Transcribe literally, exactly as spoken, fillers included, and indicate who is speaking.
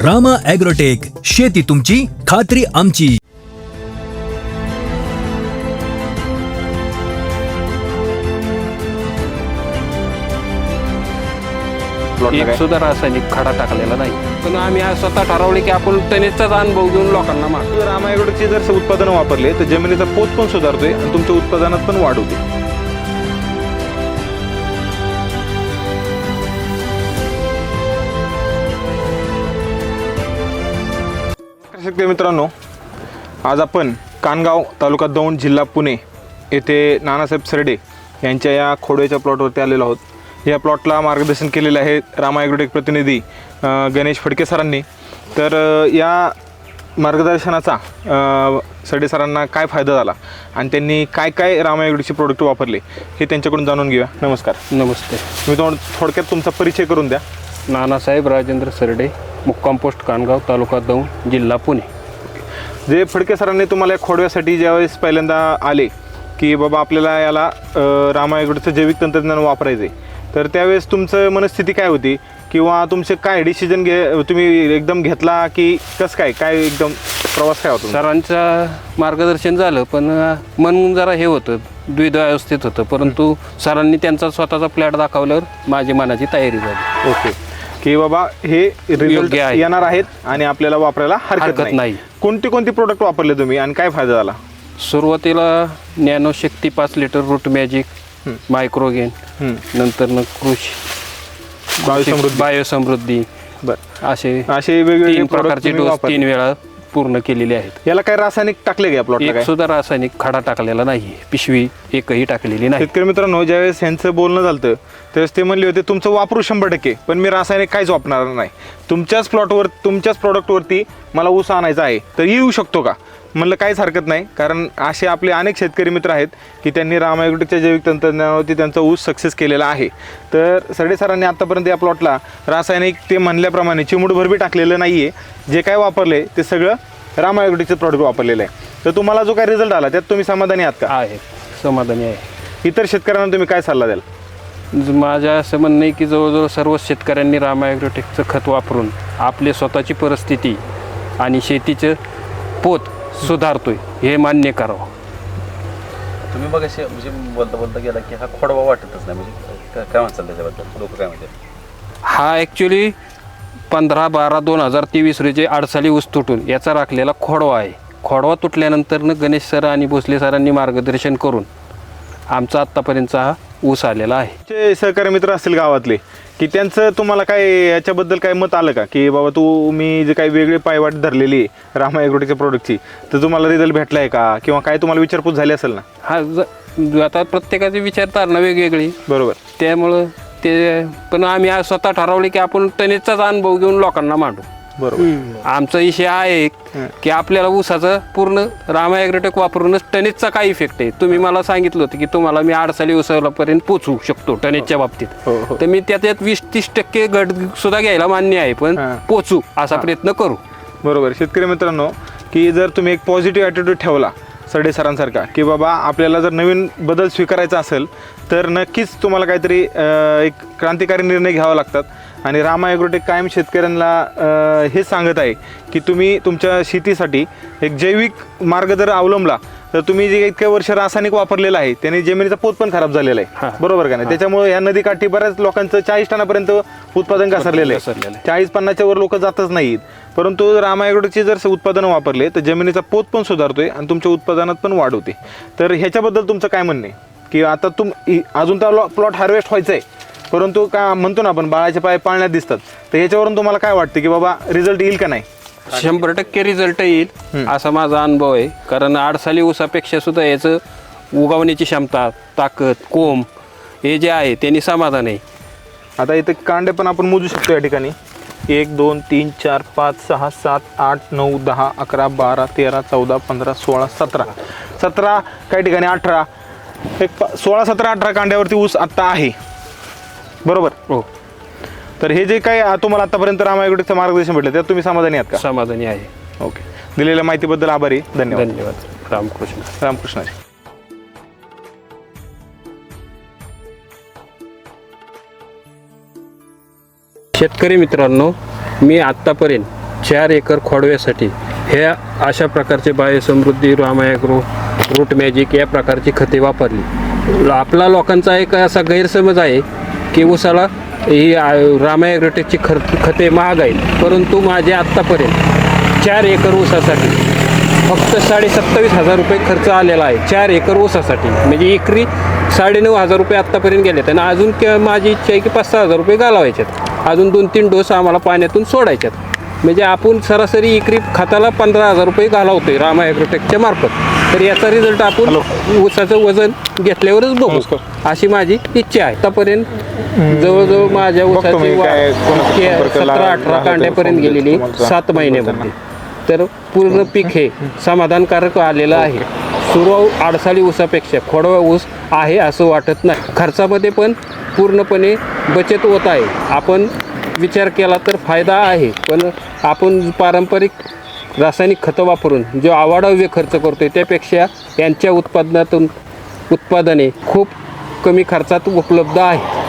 Speaker 1: Rama agrotech, शेती तुमची, खात्री आमची.
Speaker 2: एक सुद्धा रासायनिक खडा टाकलेला नाही. पण आम्ही आज स्वतः ठरवले की आपण टनेजचाच अनुभव घेऊन लोकांना माग.
Speaker 3: जर रामा ॲग्रोटेकची जर उत्पादनं वापरले तर जमिनीचा पोत पण सुधारतोय आणि तुमच्या उत्पादनात पण वाढ होते. शेतकरी मित्रांनो, आज आपण कानगाव, तालुका दौंड, जिल्हा पुणे येथे नानासाहेब सरडे यांच्या या खोडव्याच्या प्लॉटवरती आलेलो आहोत. या प्लॉटला मार्गदर्शन केलेलं आहे रामा ॲग्रोटेक प्रतिनिधी गणेश फडके सरांनी. तर या मार्गदर्शनाचा सरडे सरांना काय फायदा झाला आणि त्यांनी काय काय रामा ॲग्रोटेकचे प्रोडक्ट वापरले हे त्यांच्याकडून जाणून घेऊया. नमस्कार.
Speaker 2: नमस्ते.
Speaker 3: मी थोड थोडक्यात तुमचा परिचय करून द्या.
Speaker 2: नानासाहेब राजेंद्र सरडे, मुक्काम पोस्ट कानगाव, तालुका दौंड, जिल्हा पुणे.
Speaker 3: जे फडके सरांनी तुम्हाला खोडव्यासाठी ज्यावेळेस पहिल्यांदा आले की बाबा आपल्याला याला रामा ॲग्रोटेकचं जैविक तंत्रज्ञान वापरायचं आहे, तर त्यावेळेस तुमचं मनस्थिती काय होती किंवा तुमचे काय डिसिजन घे तुम्ही एकदम घेतला की कसं काय काय एकदम प्रवास काय होता?
Speaker 2: सरांचं मार्गदर्शन झालं, पण मन जरा हे होतं, द्विधावस्थेत होतं. परंतु सरांनी त्यांचा स्वतःचा प्लॅट दाखवल्यावर माझी मनाची तयारी झाली.
Speaker 3: ओके, की बाबा हे रिझल्ट येणार आहेत आणि आपल्याला वापरायला हरकत नाही. कोणती कोणती प्रोडक्ट वापरले तुम्ही आणि काय फायदा झाला?
Speaker 2: सुरुवातीला नॅनो शक्ती पाच लिटर, रूट मॅजिक, मायक्रोगेन, नंतर न कृषी
Speaker 3: बायोसमृद्धी
Speaker 2: बायोसमृद्धी
Speaker 3: बरं
Speaker 2: असे
Speaker 3: असे वेगवेगळे
Speaker 2: तीन प्रकारचे डोस तीन वेळा पूर्ण केलेले आहेत.
Speaker 3: याला काय रासायनिक टाकले का प्लॉटला?
Speaker 2: एक सुद्धा रासायनिक खडा टाकलेला नाही, पिशवी एकही टाकलेली नाही.
Speaker 3: शेतकरी मित्रांनो, ज्यावेळेस यांचं बोलणं झालं त्यावेळेस ते म्हणले होते तुमचं वापरू शंभर टक्के, पण मी रासायनिक काहीच वापरणार नाही. तुमच्याच प्लॉटवर तुमच्याच प्रॉडक्टवरती मला ऊस आणायचा आहे तर येऊ शकतो का? म्हणलं काहीच हरकत नाही, कारण असे आपले अनेक शेतकरी मित्र आहेत की त्यांनी रामा ॲग्रोटेकच्या जैविक तंत्रज्ञानावरती त्यांचा ऊस सक्सेस केलेला आहे. तर सरडे सरांनी आत्तापर्यंत या प्लॉटला रासायनिक ते म्हणल्याप्रमाणे चिमूटभर बी टाकलेलं नाही आहे. जे काय वापरले ते सगळं रामा ॲग्रोटेकचं प्रॉडक्ट वापरलेलं आहे. तर तुम्हाला जो काय रिझल्ट आला त्यात तुम्ही समाधानी आहात का?
Speaker 2: आहे, समाधानी आहे.
Speaker 3: इतर शेतकऱ्यांना तुम्ही काय सल्ला द्याल?
Speaker 2: माझ्या असं म्हणणं आहे की जवळजवळ सर्व शेतकऱ्यांनी रामा ॲग्रोटेकचं खत वापरून आपली स्वतःची परिस्थिती आणि शेतीचं पोत सुधारतोय हे मान्य करावं.
Speaker 4: तुम्ही बघा म्हणजे बोलता बोलता गेला की हा खोडवा वाटतच नाही, म्हणजे काय म्हणतात त्याच्याबद्दल लोक काय म्हणतात?
Speaker 2: हा ॲक्च्युली पंधरा बारा दोन हजार तेवीस रोजी आडसाली ऊस तुटून याचा राखलेला खोडवा आहे. खोडवा तुटल्यानंतरनं गणेश सर आणि भोसले सरांनी मार्गदर्शन करून आमचा आत्तापर्यंतचा हा ऊस आलेला आहे.
Speaker 3: जे सहकारी मित्र असतील गावातले की त्यांचं तुम्हाला काय याच्याबद्दल काय मत आलं का की बाबा तू मी जे काही वेगळी पायवाट धरलेली आहे रामा ॲग्रोटेकच्या प्रोडक्टची, तर तुम्हाला रिझल्ट भेटला आहे का किंवा काय तुम्हाला विचारपूस झाली असेल ना?
Speaker 2: हा ज आता प्रत्येकाची विचारधारणा वेगवेगळी,
Speaker 3: बरोबर.
Speaker 2: त्यामुळं ते पण आम्ही आज स्वतः ठरवले की आपण टनेजचाच अनुभव घेऊन लोकांना मांडू.
Speaker 3: बरोबर.
Speaker 2: आमचा विषय आहे की आपल्याला ऊसाचं पूर्ण रामा ॲग्रोटेक वापरूनच टनेजचा काय इफेक्ट आहे. तुम्ही मला सांगितलं होतं की तुम्हाला मी आडसाली ऊसापर्यंत पोचवू शकतो टनेजच्या बाबतीत, तर मी त्याच्यात वीस तीस टक्के घट सुद्धा घ्यायला मान्य आहे, पण पोचू असा प्रयत्न करू.
Speaker 3: बरोबर. शेतकरी मित्रांनो, की जर तुम्ही एक पॉझिटिव्ह ॲटिट्यूड ठेवला सरडे सरांसारखा की बाबा आपल्याला जर नवीन बदल स्वीकारायचा असेल तर नक्कीच तुम्हाला काहीतरी एक क्रांतिकारी निर्णय घ्यावा लागतात. आणि रामा ॲग्रोटेक कायम शेतकऱ्यांना हे सांगत आहे की तुम्ही तुमच्या शेतीसाठी एक जैविक मार्ग जर अवलंबला तर तुम्ही जे इतक्या वर्ष रासायनिक वापरलेलं आहे त्याने जमिनीचा पोत पण खराब झालेला आहे, बरोबर का नाही? त्याच्यामुळे या नदीकाठी बऱ्याच लोकांचं चाळीस टनापर्यंत उत्पादन घसरलेलं आहे. चाळीस पन्नासच्या वर लोक जातच नाहीत. परंतु रामा ॲग्रोटेकची जर उत्पादनं वापरले तर जमिनीचा पोत पण सुधारतोय आणि तुमच्या उत्पादनात पण वाढ होते. तर ह्याच्याबद्दल तुमचं काय म्हणणं आहे की आता तुम अजून तर प्लॉट हार्वेस्ट व्हायचं आहे, परंतु का म्हणतो ना आपण बाळाचे पाय पाळण्यात दिसतात, तर ह्याच्यावरून तुम्हाला काय वाटतं की बाबा रिझल्ट येईल का नाही?
Speaker 2: शंभर टक्के रिझल्ट येईल असा माझा अनुभव आहे. कारण आडसाली ऊसापेक्षा सुद्धा याचं उगवण्याची क्षमता, ताकद, कोंब हे जे आहे त्यांनी समाधान आहे.
Speaker 3: आता इथे कांडे पण आपण मोजू शकतो या ठिकाणी. एक दोन तीन चार पाच सहा सात आठ नऊ दहा अकरा बारा तेरा चौदा पंधरा सोळा सतरा सतरा काही ठिकाणी अठरा, एक सोळा सतरा अठरा कांड्यावरती ऊस आत्ता आहे, बरोबर.
Speaker 2: हो.
Speaker 3: तर हे जे काही तुम्हाला आतापर्यंत रामा ॲग्रोटेकचं मार्गदर्शन भेटलं त्यात तुम्ही समाधानी आहात का?
Speaker 2: समाधानी आहे.
Speaker 3: ओके. दिलेल्या माहितीबद्दल आभारी. धन्यवाद.
Speaker 2: धन्यवाद. रामकृष्ण.
Speaker 3: रामकृष्ण.
Speaker 2: शेतकरी मित्रांनो, मी आत्तापर्यंत चार एकर खोडव्यासाठी ह्या अशा प्रकारचे बायोसमृद्धी, रामायग्रो, रूट मॅजिक या प्रकारची खते वापरली. आपला लोकांचा एक असा गैरसमज आहे की ऊसाला ही रामायग्रोटेकची खर खते महाग आहेत, परंतु माझे आत्तापर्यंत चार एकर ऊसासाठी फक्त साडे सत्तावीस हजार रुपये खर्च आलेला आहे. चार एकर ऊसासाठी म्हणजे एकरी साडेनऊ हजार रुपये आत्तापर्यंत गेलेत आणि अजून के माझी इच्छा आहे की पाच सहा हजार रुपये घालावायच्यात. अजून दोन तीन डोस आम्हाला पाण्यातून सोडायच्यात. म्हणजे आपण सरासरी एकरी खताला पंधरा हजार रुपये घालावतोय रामा ॲग्रोटेकच्या मार्फत. तर याचा रिझल्ट आपण ऊसाचं वजन घेतल्यावरच बघू, अशी माझी इच्छा आहे. आतापर्यंत जवळजवळ माझ्या ऊसाची वाढ सतरा अठरा कांड्यापर्यंत गेलेली सात महिन्यामध्ये. तर पूर्ण पीक हे समाधानकारक आलेलं आहे. सुरू आडसाळी ऊसापेक्षा खोडवा ऊस आहे असं वाटत नाही. खर्चामध्ये पण पूर्णपणे बचत होत आहे. आपण विचार केला तर फायदा आहे, पण आपण पारंपरिक रासायनिक खतं वापरून जो आवाढव्य खर्च करतोय त्यापेक्षा यांच्या उत्पादनातून उत्पादने खूप कमी खर्चात उपलब्ध आहेत.